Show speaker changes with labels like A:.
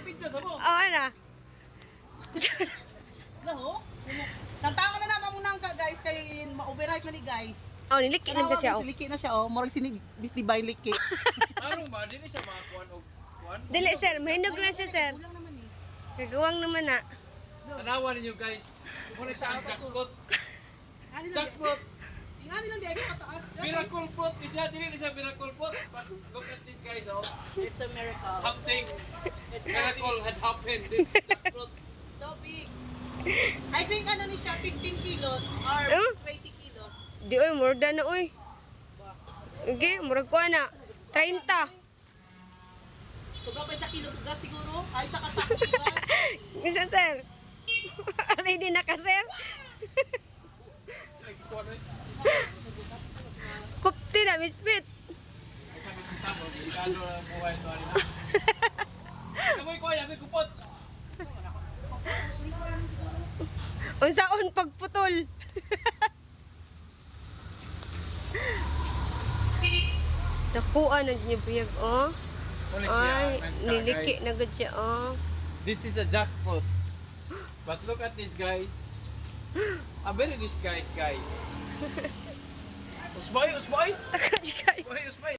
A: pidyo sa mo.
B: Oh, ana.
C: No? Tantangan na naman muna ka guys kay ma-override na ni guys.
B: Oh, niliki na
C: Kanawag
B: siya.
C: na siliki na siya oh. Murag sinig bis di bay liki.
A: Tarong ba din sa mga kuan og kuan.
B: Dili, sir. Mahinog na siya, sir.
C: Kulang naman eh.
B: Gagawang naman na.
A: Tanawan ninyo guys. Muna sa ang jackpot.
C: Ani lang.
A: Jackpot.
C: Ingani lang di ay pataas.
A: Miracle fruit. Dili na siya miracle fruit. But look at this guys oh.
C: It's a miracle.
A: Something
C: It's so
A: miracle
C: big.
A: had happened. This jackpot.
C: So big. I think ano ni siya 15 kilos or
B: Huh?
C: 20 kilos.
B: Di, oy, more than na, oy. Okay, murag ko na. 30.
C: Sobra pa sa kilo tugas siguro. Ay sa kasako tugas.
B: Isa, sir. Ready na ka, sir?
A: Nagkuan eh.
B: Kupti na, Miss Pit.
A: Ay sabi sa tamo, delikado ang buhay to ani. Kamoy ko ay kupot.
B: Unsaon pagputol. Nakuha na siya buyag, oh. Ay, niliki na gud siya, oh.
A: This is a jackpot. But look at this guys. Very this guys. Usbay, usbay.
B: Taka,
A: Usbay, usbay.